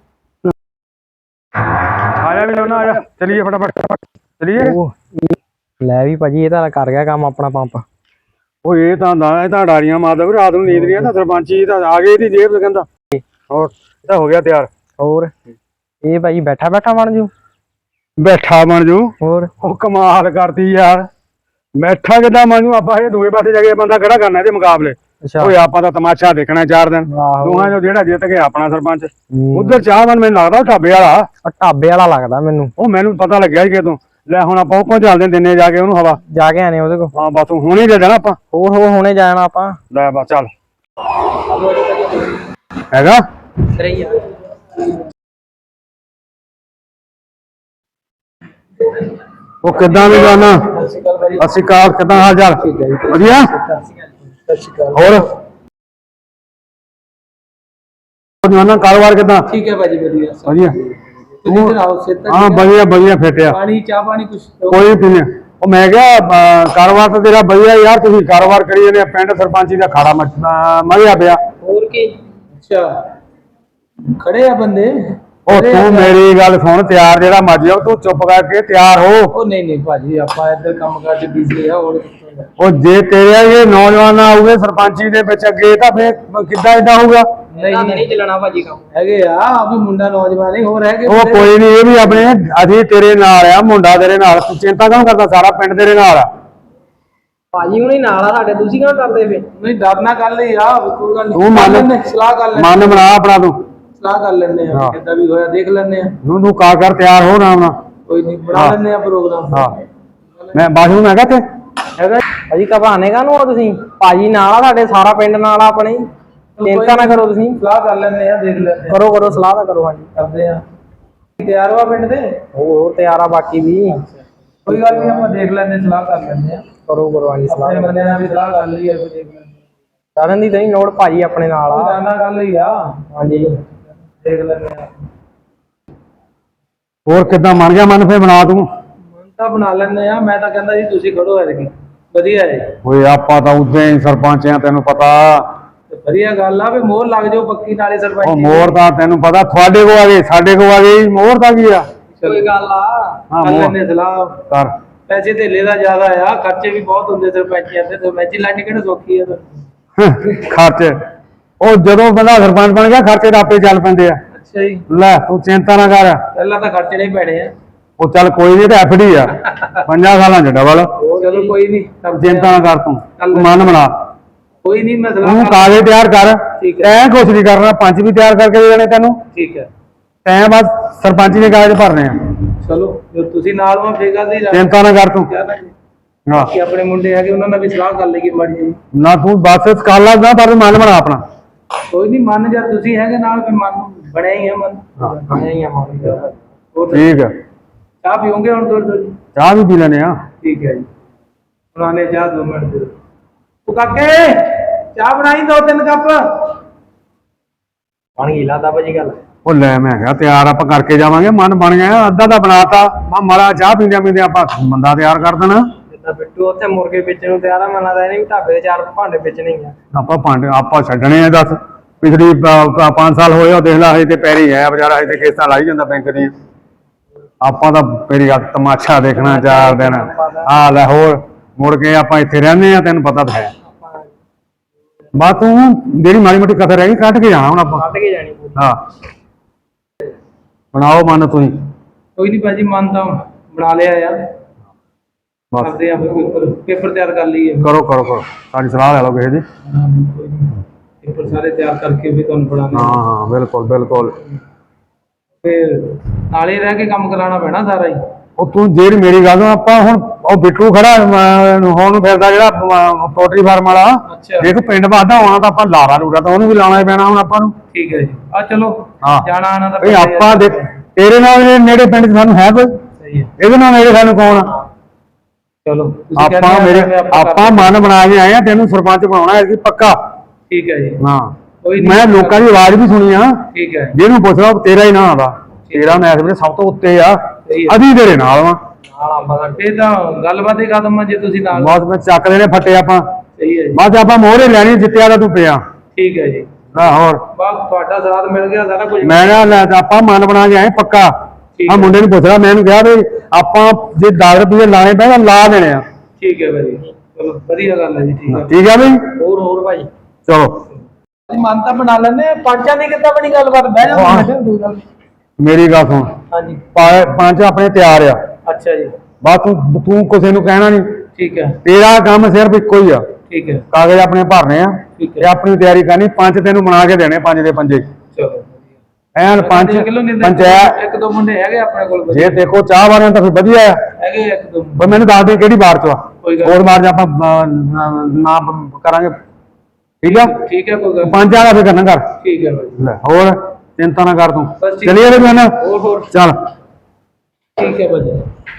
ਆ ਜਾ ਵੀ ਲੋਨਾ ਆ ਜਾ ਚਲੀਏ ਫਟਾਫਟ ਚਲੀਏ।
ਉਹ ਲੈ ਵੀ ਭਾਜੀ ਇਹ ਤਾਂ ਕਰ ਗਿਆ ਕੰਮ ਆਪਣਾ ਪੰਪ
ਉਹ ਇਹ ਤਾਂ ਹੁੰਦਾ ਇਹ ਤਾਂ ਡਾਰੀਆਂ ਮਾਰਦਾ ਵੀ ਰਾਤ ਨੂੰ ਨੀਂਦ ਨਹੀਂ ਆਉਂਦਾ ਸਰਪੰਚੀ ਤਾਂ ਆ ਗਈ ਇਹਦੀ ਜੇਬ ਚ ਕਹਿੰਦਾ ਹੋਰ ਇਹ ਤਾਂ ਹੋ ਗਿਆ ਤਿਆਰ
ਹੋਰ ਇਹ ਭਾਜੀ ਬੈਠਾ ਬੈਠਾ ਬਣ ਜੂ
ਬੈਠਾ ਬਣ ਜੂ
ਹੋਰ
ਉਹ ਕਮਾਲ ਕਰਦੀ ਯਾਰ ਬੈਠਾ ਕਿੱਦਾਂ ਬਣ ਜੂ ਆਪਾਂ ਇਹ ਦੂਏ ਪਾਸੇ ਜਾ ਕੇ ਬੰਦਾ ਖੜਾ ਕਰਨਾ ਇਹਦੇ ਮੁਕਾਬਲੇ
ਅੱਛਾ
ਓਏ ਆਪਾਂ ਤਾਂ ਤਮਾਸ਼ਾ ਦੇਖਣਾ ਚਾਰ ਦਿਨ
ਆਹੋ।
ਦੋਹਾਂ ਚੋਂ ਜਿਹੜਾ ਜਿੱਤ ਗਿਆ ਆਪਣਾ ਸਰਪੰਚ
ਹੂੰ।
ਉਧਰ ਚਾਹਵਾਨ ਮੈਨੂੰ ਲੱਗਦਾ ਉਹ ਢਾਬੇ ਵਾਲਾ
ਉਹ ਢਾਬੇ ਵਾਲਾ ਲੱਗਦਾ ਮੈਨੂੰ
ਉਹ ਮੈਨੂੰ ਪਤਾ ਲੱਗਿਆ ਸੀ ਕਿਤੋਂ ਲੈ ਹੁਣ ਆਪਾਂ ਉਹ ਕੋਲ ਚੱਲਦੇ ਦਿਨੇ ਜਾ ਕੇ ਉਹਨੂੰ ਹਵਾ
ਜਾ ਕੇ ਆਨੇ ਉਹਦੇ ਕੋਲ
ਹਾਂ ਬਸ ਹੁਣ ਹੀ ਦੇ ਦੇਣਾ ਆਪਾਂ
ਹੋਰ ਹੋਰ ਹੁਣੇ ਜਾਣਾ ਆਪਾਂ
ਲੈ ਬਸ ਚੱਲ ਹੈਗਾ ਉਹ ਕਿੱਦਾਂ ਵੀ ਜਾਣਾ ਅਸੀਂ ਕਾਰ ਕਿੱਦਾਂ ਹਾਲ ਚਾਲ ਵਧੀਆ ਹੋਰ ਜਵਾਨਾ ਕਾਰੋਬਾਰ ਕਿੱਦਾਂ
ठीक है भाजी बढ़िया
ਵਧੀਆ
तुम इधर आओ से
ਹਾਂ ਵਧੀਆ ਵਧੀਆ ਫਿੱਟਿਆ
पानी चाह पानी कुछ
ਕੋਈ ਨੀ ਪੀਨੇ ਉਹ ਮੈਂ ਕਿਹਾ ਅਹ, ਕਾਰੋਬਾਰ ਤਾਂ ਤੇਰਾ ਵਧੀਆ ਯਾਰ ਤੁਸੀਂ ਕਾਰੋਬਾਰ ਕਰੀ ਜਾਂਦੇ ਆ, ਪਿੰਡ ਸਰਪੰਚੀ ਦਾ ਖਾੜਾ ਮਰਿਆ ਪਿਆ
और की अच्छा खड़े हैं बंदे
ਉਹ ਤੂੰ ਮੇਰੀ ਗੱਲ ਸੁਣ ਤਿਆਰ ਜਿਹੜਾ ਮਰਜੀ ਹੋ ਤੂੰ ਚੁੱਪ ਕਰਕੇ ਤਿਆਰ ਹੋ
ओ नहीं नहीं भाजी आपा इधर काम काज च बिजी है और
ਉਹ ਜੇ ਤੇਰੇ ਇਹ ਨੌਜਵਾਨ ਆਉਗੇ ਸਰਪੰਚੀ ਦੇ ਵਿੱਚ ਅੱਗੇ ਤਾਂ ਫੇਰ ਕਿੱਦਾਂ ਇਦਾਂ ਹੋਊਗਾ
नहीं नहीं चलना भाजी काम हैगे यार अभी मुंडा नौजवान ही हो रहे हैं
ਉਹ ਕੋਈ ਨਹੀਂ ਇਹ ਵੀ ਆਪਣੇ ਅਸੀਂ ਤੇਰੇ ਨਾਲ ਆ ਮੁੰਡਾ ਤੇਰੇ ਨਾਲ ਤੂੰ ਚਿੰਤਾ ਕਿਉਂ ਕਰਦਾ ਸਾਰਾ ਪਿੰਡ ਤੇਰੇ ਨਾਲ ਆ
भाजी हुणी नाल आ साडे ਤੁਸੀਂ ਕਿਉਂ ਡਰਦੇ ਫੇ ਨਹੀਂ ਡਰਨਾ ਕਰ ਲਈ ਆ ਕੋਈ ਗੱਲ
ਤੂੰ ਮੰਨ
ਸਲਾਹ ਕਰ ਲੈ
ਮਨ ਬਣਾ ਆਪਣਾ ਤੂੰ
ਸਲਾਹ ਕਰ ਲੈਂਦੇ ਆ ਕਿੱਦਾਂ ਵੀ ਹੋਇਆ ਦੇਖ ਲੈਂਦੇ ਆ
ਨੂੰ ਤੂੰ ਕਾ ਕਰ ਤਿਆਰ ਹੋ ਨਾ
ਕੋਈ ਨਹੀਂ ਬਣਾ ਲੈਂਦੇ ਆ ਪ੍ਰੋਗਰਾਮ
ਹਾਂ ਮੈਂ ਬਾਸ਼ੂ ਮੈਂ ਕਹਾਂ ਤੇ
ਹੈਗਾ ਭਾਜੀ ਘਬਾਣੇ ਕਾਹਨੂੰ ਹੋ ਤੁਸੀਂ ਭਾਜੀ ਨਾਲ ਆ ਸਾਡੇ ਸਾਰਾ ਪਿੰਡ ਨਾਲ ਆ ਆਪਣੇ ਚਿੰਤਾ ਨਾ ਕਰੋ ਤੁਸੀਂ
ਸਲਾਹ ਕਰ ਲੈਂਦੇ ਆ ਦੇਖ ਲੈਂਦੇ ਆ
ਕਰੋ ਕਰੋ ਸਲਾਹ ਤਾਂ ਕਰੋ ਹਾਂਜੀ
ਕਰਦੇ ਆ ਤਿਆਰ ਹੋਆ ਪਿੰਡ ਦੇ
ਹੋਰ ਹੋਰ ਤਿਆਰ ਆ ਬਾਕੀ ਵੀ
ਕੋਈ ਗੱਲ ਨਹੀਂ ਆਪਾਂ ਦੇਖ ਲੈਂਦੇ ਸਲਾਹ ਕਰ ਲੈਂਦੇ ਆ
ਕਰੋ ਕਰੋ ਹਾਂਜੀ ਸਲਾਹ
ਆਪਣੇ ਬੰਦੇ ਨਾਲ ਵੀ ਸਲਾਹ ਕਰ ਲਈ ਹੈ ਦੇਖ ਲੈਂਦੇ
ਕਰਨ ਦੀ ਤਾਂ ਨਹੀਂ ਲੋੜ ਭਾਜੀ ਆਪਣੇ ਨਾਲ
ਆ
ਆ
ਜਾਣਾ ਕਰ ਲਈ ਆ
ਹਾਂਜੀ
ਦੇਖ ਲੈਂਦੇ ਆ
ਹੋਰ ਕਿੱਦਾਂ ਬਣ ਗਿਆ ਮਨ ਫੇ ਬਣਾ ਤੂੰ
ਮਨ ਤਾਂ ਬਣਾ ਲੈਂਦੇ ਆ ਮੈਂ ਤਾਂ ਕਹਿੰਦਾ ਜੀ ਤੁਸੀਂ ਖੜੋ ਐਤਕੀ ਵਧੀਆ ਹੈ
ਓਏ ਆਪਾਂ ਤਾਂ ਉਦੋਂ ਹੀ ਸਰਪੰਚ ਆ ਤੈਨੂੰ ਪਤਾ
ਤੇ ਵਧੀਆ ਗੱਲ ਆ ਵੀ ਮੋਹਰ ਲੱਗ ਜਾਓ ਪੱਕੀ ਨਾਲੇ
ਉਹ
ਸਰਪੰਚ
ਮੋਹਰ ਤਾਂ ਤੈਨੂੰ ਪਤਾ ਤੁਹਾਡੇ ਕੋ ਆ ਗਏ ਸਾਡੇ ਕੋ ਆ ਗਈ ਮੋਹਰ ਤਾਂ ਕੀ ਆ
ਕੋਈ ਗੱਲ ਆ
ਹਾਂ,
ਕਰ
ਮੋਹਰ।
ਲੈਂਦੇ ਸਲਾਹ
ਕਰ
ਪੈਸੇ ਧੇਲੇ ਦਾ ਜ਼ਿਆਦਾ ਆ ਖਰਚੇ ਵੀ ਬਹੁਤ ਹੁੰਦੇ ਸਰਪੰਚੀਆਂ ਤੇ ਸਰਪੰਚੀ ਲਾਣੀ ਕਿਹੜਾ ਸੌਖੀ ਆ
ਖਰਚ ਉਹ ਜਦੋਂ ਬੰਦਾ ਸਰਪੰਚ ਬਣ ਗਿਆ ਖਰਚੇ ਤਾਂ ਆਪੇ ਚੱਲ ਪੈਂਦੇ ਆ
ਅੱਛਾ ਜੀ
ਲੈ ਤੂੰ ਚਿੰਤਾ ਨਾ ਕਰ
ਪਹਿਲਾਂ ਤਾਂ ਖਰਚੇ ਨਹੀਂ ਪੈਣੇ ਆ
ਉਹ ਚੱਲ ਕੋਈ ਨਹੀਂ ਤੇ ਐਫਡੀ ਆ ਪੰਜਾਂ ਸਾਲਾਂ ਚ ਡਬਲ
ਚਲੋ ਕੋਈ ਨਹੀਂ
ਚਿੰਤਾ ਨਾ ਕਰ ਤੂੰ ਤੂੰ ਮਨ ਬਣਾ
ਕੋਈ ਨਹੀਂ ਮੈਂ ਸਲਾਹ
ਤੂੰ
ਕਰ
ਕਾਗਜ਼ ਤਿਆਰ ਕਰ
ਠੀਕ ਹੈ।
ਤੈਂ ਕੁਛ ਨਹੀਂ ਕਰਨਾ ਪੰਚ ਵੀ ਤਿਆਰ ਕਰਕੇ ਦੇ ਦੇਣੇ ਤੈਨੂੰ
ਠੀਕ ਹੈ
ਤੈਂ ਬਸ ਸਰਪੰਚੀ ਦੇ ਕਾਗਜ਼ ਭਰਨੇ ਆ
ਚਲੋ ਜੋ ਤੁਸੀਂ ਨਾਲ ਹੋ ਫੇਗਾ ਦੀ
ਚਿੰਤਾ ਨਾ ਕਰ ਤੂੰ ਹਾਂ
ਕਿ ਆਪਣੇ ਮੁੰਡੇ ਹੈਗੇ ਉਹਨਾਂ ਨਾਲ ਵੀ ਸਲਾਹ ਕਰ ਲਈਏ ਮਾੜੀ ਜੀ
ਨਾ ਤੂੰ ਬਸ ਸਕਾਲਾ ਨਾ ਪਰ ਮਨ ਬਣਾ ਆਪਣਾ
ਕੋਈ ਨਹੀਂ ਮੰਨ ਜਾ ਤੁਸੀਂ ਹੈਗੇ ਨਾਲ ਫਿਰ ਮਨ ਬਣਿਆ ਹੀ ਹੈ ਮਨ ਬਣਿਆ ਹੀ ਹੈ ਮਨ ਹੋਰ
ਠੀਕ ਆ
ਚਾਹ ਪੀਓਗੇ ਹੁਣ ਥੋੜੀ ਥੋੜੀ
ਚਾਹ ਵੀ ਪੀ ਲੈਣੇ ਆ
ਠੀਕ ਹੈ ਜੀ ਪੁਰਾਣੇ ਚਾਹ ਦੋ ਮਿੰਟ ਦੇ ਉਹ ਕਾਕੇ ਚਾਹ ਬਣਾਈ ਦੋ ਤਿੰਨ ਕੱਪ
ਬਣ ਗਈ ਲਾਦਾ ਭਾਜੀ ਗੱਲ
ਉਹ ਲੈ ਮੈਂ ਕਿਹਾ ਤਿਆਰ ਆਪਾਂ ਕਰਕੇ ਜਾਵਾਂਗੇ ਮਨ ਬਣ ਗਿਆ ਅੱਧਾ ਤਾਂ ਬਣਾਤਾ ਮੈਂ ਮਾੜਾ ਚਾਹ ਪੀਂਦਿਆਂ ਪੀਂਦਿਆਂ ਆਪਾਂ ਬੰਦਾ ਤਿਆਰ ਕਰ ਦੇਣਾ
ਜਿੱਦਾਂ ਬਿੱਟੂ ਉੱਥੇ ਮੁਰਗੇ ਵੇਚਣ ਨੂੰ ਤਿਆਰ ਆ ਮੈਨੂੰ ਲੱਗਦਾ ਇਹਨੇ ਵੀ ਢਾਬੇ ਦੇ ਚਾਰ ਭਾਂਡੇ ਵੇਚਣੇ ਹੀ ਆ
ਆਪਾਂ ਭਾਂਡੇ ਆਪਾਂ ਛੱਡਣੇ ਆ ਦੱਸ ਪਿਛਲੀ ਪੰਜ ਸਾਲ ਹੋਏ ਉਹ ਦੇਖ ਲਾ ਹਜੇ ਤੇ ਪੈਰੀ ਹੈ ਵਿਚਾਰਾ ਹਜੇ ਤੇ ਕਿਸ਼ਤਾਂ ਲਾਈ ਜਾਂਦਾ ਬੈਂਕ ਦੀਆਂ ਆਪਾਂ ਤਾਂ ਮੇਰੀ ਗੱਲ ਤਮਾਸ਼ਾ ਦੇਖਣਾ ਚਾਰ ਦਿਨ ਆ ਲੈ ਹੋਰ ਮੁੜ ਕੇ ਆਪਾਂ ਇੱਥੇ ਰਹਿੰਦੇ ਆ ਤੈਨੂੰ ਪਤਾ ਤਾਂ ਹੈ ਬਸ ਤੂੰ ਜਿਹੜੀ ਮਾੜੀ ਮੋਟੀ ਕਥਾ ਰਹਿ ਗਈ ਕੱਢ ਕੇ ਜਾਣਾ ਹੁਣ ਆਪਾਂ
ਕੱਢ ਕੇ ਜਾਣੀ ਪੂਰੀ
ਹਾਂ ਬਣਾਓ ਮਨ ਤੁਸੀਂ
ਕੋਈ ਨਹੀਂ ਭਾਜੀ ਮਨ ਤਾਂ ਬਣਾ ਲਿਆ ਯਾਰ
ਬਸ
ਕਰਦੇ ਆ ਪੇਪਰ ਪੇਪਰ ਤਿਆਰ ਕਰ ਲਈਏ
ਕਰੋ ਕਰੋ ਕਰੋ ਸਾਡੀ ਸਲਾਹ ਲੈ ਲਓ ਕਿਸੇ ਦੀ
ਪੇਪਰ ਸਾਰੇ ਤਿਆਰ ਕਰਕੇ ਵੀ ਤੁਹਾਨੂੰ ਪੜਾਣੇ
ਹਾਂ ਹਾਂ ਬਿਲਕੁਲ ਬਿਲਕੁਲ
ਫਿਰ ਨਾਲੇ ਰਹਿ ਕੇ ਕੰਮ ਕਰਾਉਣਾ ਪੈਣਾ ਸਾਰਾ ਹੀ
ਉਹ ਤੂੰ ਜਿਹੜੀ ਮੇਰੀ ਗੱਲ ਨੂੰ ਆਪਾਂ ਹੁਣ ਉਹ ਬਿੱਟੂ ਖੜਾ ਅਮ, ਹੁਣ ਨੂੰ ਫਿਰਦਾ ਜਿਹੜਾ ਪੋਲਟਰੀ ਫਾਰਮ ਵਾਲਾ
ਅੱਛਾ
ਦੇਖ ਪਿੰਡ ਵਾਦਾ ਆਉਣਾ ਤਾਂ ਆਪਾਂ ਲਾਰਾ ਲੂਰਾ ਤਾਂ ਉਹਨੂੰ ਵੀ ਲਾਉਣਾ ਹੀ ਪੈਣਾ ਹੁਣ ਆਪਾਂ ਨੂੰ
ਠੀਕ ਹੈ ਜੀ ਆ ਚਲੋ
ਹਾਂ।
ਜਾਣਾ ਆਣਾ ਤਾਂ
ਇਹ
ਪੈਂਦਾ ਹੀ ਆ।
ਆਪਾਂ ਦੇਖ ਤੇਰੇ ਨਾਲ ਜਿਹੜੇ ਨੇੜੇ ਪਿੰਡ 'ਚ ਸਾਨੂੰ ਹੈ ਕੋਈ
ਸਹੀ ਹੈ
ਇਹਦੇ ਨਾਲ ਨੇੜੇ ਸਾਨੂੰ ਕੌਣ ਆ
ਚਲੋ ਤੁਸੀਂ
ਆਪਾਂ
ਕਹਿੰਦੇ ਆ
ਮੇਰੇ
ਫਿਰ ਆਪਾਂ
ਆਪਾਂ ਮਨ ਬਣਾ ਕੇ ਆਏ ਆ ਤੈਨੂੰ ਸਰਪੰਚ ਬਣਾਉਣਾ ਹੈ ਪੱਕਾ
ਠੀਕ ਹੈ ਜੀ
ਹਾਂ
ਕੋਈ ਨੀ।
ਮੈਂ ਲੋਕਾਂ ਦੀ ਆਵਾਜ਼ ਵੀ ਸੁਣੀ ਆ
ਠੀਕ ਹੈ
ਜਿਹਨੂੰ ਪੁੱਛਦਾ ਉਹ ਤੇਰਾ ਹੀ ਨਾਂ ਆਉਂਦਾ ਤੇਰਾ ਮੈਂ ਇਸ ਵੇਲੇ ਸਭ ਤੋਂ ਉੱਤੇ ਆ
ਸਹੀ ਹੈ।
ਅਧੀ ਤੇਰੇ ਨਾਲ ਵਾ
ਨਾਲ ਆਪਾਂ ਦਾ ਇਹ ਤਾਂ ਗੱਲਬਾਤ ਹੀ ਖਤਮ ਆ ਜੇ ਤੁਸੀਂ ਨਾਲ
ਬਸ ਮੈਂ ਚੱਕਦੇ ਨੇ ਫੱਟੇ ਆਪਾਂ
ਸਹੀ ਹੈ ਜੀ
ਬਸ ਆਪਾਂ ਮੋਹਰੇ ਲੈਣੀ ਜਿੱਤਿਆ ਦਾ ਤੂੰ ਪਿਆ
ਠੀਕ ਹੈ ਜੀ
ਆ ਹੋਰ
ਬਸ ਤੁਹਾਡਾ ਸਾਥ ਮਿਲ ਗਿਆ ਸਾਰਾ ਕੁਝ
ਮੈਂ ਨਾ ਲੈ ਤੇ ਆਪਾਂ ਮਨ ਬਣਾ ਕੇ ਆਏ ਪੱਕਾ
ਠੀਕ
ਆ
ਹੈ।
ਮੁੰਡੇ ਨੂੰ ਪੁੱਛ ਰਿਹਾ ਮੈਂ ਇਹਨੂੰ ਕਿਹਾ ਵੀ ਆਪਾਂ ਜੇ ਦਸ ਰੁਪਏ ਲਾਣੇ ਪਏ ਤਾਂ ਲਾ ਦੇਣੇ ਆ
ਠੀਕ ਹੈ ਭਾਜੀ ਚਲੋ ਵਧੀਆ ਗੱਲ ਹੈ ਜੀ, ਠੀਕ ਹੈ।
ਠੀਕ ਆ ਬਈ,
ਹੋਰ ਹੋਰ ਭਾਈ
ਚਲੋ
ਅਸੀਂ ਮਨ ਤਾਂ ਬਣਾ ਲੈਨੇ, ਪੰਚਾਂ ਦੀ ਕਿੱਦਾਂ ਬਣੀ ਗੱਲਬਾਤ? ਬਹਿ ਜਾ
ਹਾਂ।
ਕੋਈ ਗੱਲ ਨੀ।
ਮੇਰੀ ਗੱਲ ਸੁਣ,
ਹਾਂਜੀ
ਪਾ- ਪੰਜ ਆਪਣੇ ਤਿਆਰ ਆ,
ਅੱਛਾ ਜੀ
ਬਸ ਤੂੰ ਤੂੰ ਕਿਸੇ ਨੂੰ ਕਹਿਣਾ ਨਹੀਂ,
ਠੀਕ ਹੈ
ਤੇਰਾ ਕੰਮ ਸਿਰਫ ਇੱਕੋ ਹੀ ਆ,
ਠੀਕ ਹੈ
ਕਾਗਜ਼ ਆਪਣੇ ਭਰਨੇ ਆ
ਠੀਕ ਹੈ।
ਤੇ ਆਪਣੀ ਤਿਆਰੀ ਕਰਨੀ। ਪੰਜ ਤੈਨੂੰ ਬਣਾ ਕੇ ਦੇਣੇ, ਪੰਜ ਦੇ ਪੰਜੇ
ਚਲੋ
ਐਨ ਪੰਜ
ਦੇਖ ਲਓ, ਨਹੀਂ ਤਾਂ
ਪੰਚਾਇਤ।
ਇੱਕ ਦੋ ਮੁੰਡੇ ਹੈਗੇ ਆਪਣੇ ਕੋਲ
ਜੇ ਦੇਖੋ ਚਾਹ ਵਾਲਿਆਂ ਤਾਂ ਫਿਰ ਵਧੀਆ ਆ,
ਹੈਗੇ ਇੱਕ ਦੋ
ਪਰ ਮੈਨੂੰ ਦੱਸ ਦੇ ਕਿਹੜੀ ਬਾਰ ਚ ਆ,
ਕੋਈ ਗੱਲ
ਹੋਰ ਬਾਰ ਚ ਆਪਾਂ ਅਹ, ਨਾਮ ਕਰਾਂਗੇ, ਠੀਕ ਆ।
ਠੀਕ ਹੈ ਕੋਈ ਗੱਲ ਨੀ।
ਪੰਜ ਵਾਲਾ ਫਿਰ ਕਰਨਾ ਕਰ,
ਠੀਕ ਹੈ ਭਾਈ,
ਲੈ ਹੋਰ ਚਿੰਤਾ ਨਾ ਕਰ ਤੂੰ,
ਬਸ ਠੀਕ।
ਚਲੀਏ ਵੀ ਨਾ,
ਹੋਰ ਹੋਰ
ਚੱਲ
ਠੀਕ ਹੈ ਭਾਜੀ।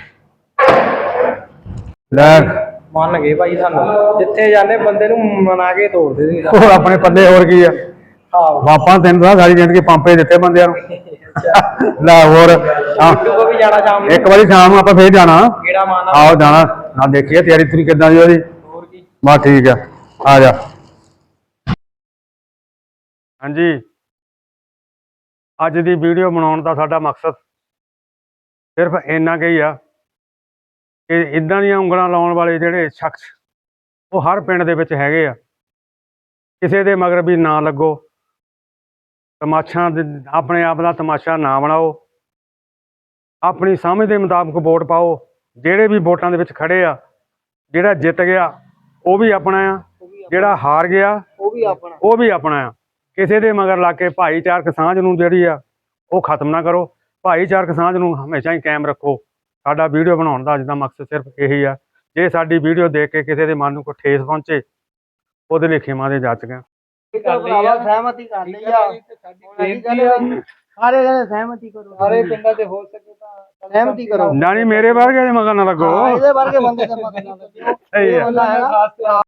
ਲੈ
ਮੰਨ ਗਏ ਭਾਈ ਸਾਨੂੰ, ਜਿੱਥੇ ਜਾਂਦੇ ਬੰਦੇ ਨੂੰ ਮਨਾ ਕੇ ਤੋੜਦੇ ਸੀ
ਹੋਰ ਆਪਣੇ ਪੱਲੇ ਹੋਰ ਕੀ ਆ,
ਆਹੋ
ਆਪਾਂ ਤੈਨੂੰ ਤਾਂ ਸਾਰੀ ਜ਼ਿੰਦਗੀ ਪੰਪੇ ਦਿੱਤੇ ਬੰਦਿਆਂ ਨੂੰ। ਲੈ ਹੋਰ ਹਾਂ,
ਬਿੱਟੂ ਕੋ ਵੀ ਜਾਣਾ ਸ਼ਾਮ ਨੂੰ,
ਇੱਕ ਵਾਰੀ ਸ਼ਾਮ ਨੂੰ ਆਪਾਂ ਫੇਰ ਜਾਣਾ,
ਕਿਹੜਾ ਮਾਨਾ
ਆਓ ਜਾਣਾ ਨਾ, ਦੇਖੀਏ ਤਿਆਰੀ ਤੁਰੀ ਕਿੱਦਾਂ ਦੀ ਉਹਦੀ।
ਹੋਰ ਕੀ
ਬਸ ਠੀਕ ਆ, ਆ ਜਾ। ਹਾਂਜੀ, ਅੱਜ ਦੀ ਵੀਡੀਓ ਬਣਾਉਣ ਦਾ ਸਾਡਾ ਮਕਸਦ ਸਿਰਫ ਇੰਨਾ ਕੁ ਹੀ ਆ ਕਿ ਇਦਾਂ ਦੀਆਂ ਉਂਗਲਾਂ ਲਾਉਣ ਵਾਲੇ ਜਿਹੜੇ ਸ਼ਖਸ ਉਹ ਹਰ ਪਿੰਡ ਦੇ ਵਿੱਚ ਹੈਗੇ ਆ। ਕਿਸੇ ਦੇ ਮਗਰ ਵੀ ਨਾ ਲੱਗੋ, ਤਮਾਸ਼ਾ ਦੇ ਆਪਣੇ ਆਪ ਦਾ ਤਮਾਸ਼ਾ ਨਾ ਬਣਾਓ, ਆਪਣੀ ਸਮਝ ਦੇ ਮੁਤਾਬਕ ਵੋਟ ਪਾਓ। ਜਿਹੜੇ ਵੀ ਵੋਟਾਂ ਦੇ ਵਿੱਚ ਖੜੇ ਆ, ਜਿਹੜਾ ਜਿੱਤ ਗਿਆ ਉਹ ਵੀ ਆਪਣਾ ਆ, ਜਿਹੜਾ ਹਾਰ ਗਿਆ
ਉਹ ਵੀ ਆਪਣਾ
ਉਹ ਵੀ ਆਪਣਾ ਆ। ਕਿਸੇ ਦੇ ਮਗਰ ਲੱਗ ਕੇ ਭਾਈਚਾਰਕ ਸਾਂਝ ਨੂੰ ਜਿਹੜੀ ਆ ਉਹ ਖਤਮ ਨਾ ਕਰੋ, ਭਾਈਚਾਰਕ ਸਾਂਝ ਨੂੰ ਹਮੇਸ਼ਾ ਹੀ ਕਾਇਮ ਰੱਖੋ। ਸਾਡਾ ਵੀਡੀਓ ਬਣਾਉਣ ਦਾ ਅੱਜ ਦਾ ਮਕਸਦ ਸਿਰਫ ਇਹੀ ਆ। ਜੇ ਸਾਡੀ ਵੀਡੀਓ ਦੇਖ ਕੇ ਕਿਸੇ ਦੇ ਮਨ ਨੂੰ ਕੋਈ ਠੇਸ ਪਹੁੰਚੇ, ਉਹਦੇ ਲਈ ਖਿਮਾ ਦੇ ਜੱਜ ਗਏ।
ਭਰਾਵਾ ਸਹਿਮਤੀ ਕਰ ਲਈ ਆ, ਸਾਰੇ ਜਣੇ ਸਹਿਮਤੀ ਕਰੋ,
ਸਾਰੇ ਪਿੰਡਾਂ ਦੇ ਹੋ ਸਕੇ ਤਾਂ
ਸਹਿਮਤੀ ਕਰੋ।
ਨਾ ਨਹੀਂ ਮੇਰੇ ਵਰਗੇ ਦੇ ਮਗਰ ਨਾ ਲੱਗੋ।
ਇਹਦੇ ਵਰਗੇ ਬੰਦੇ ਦੇ ਮਗਰ ਨਾ ਲੱਗੋ।
ਸਹੀ ਆ।
ਇਹ ਬੰਦਾ ਹੈਗਾ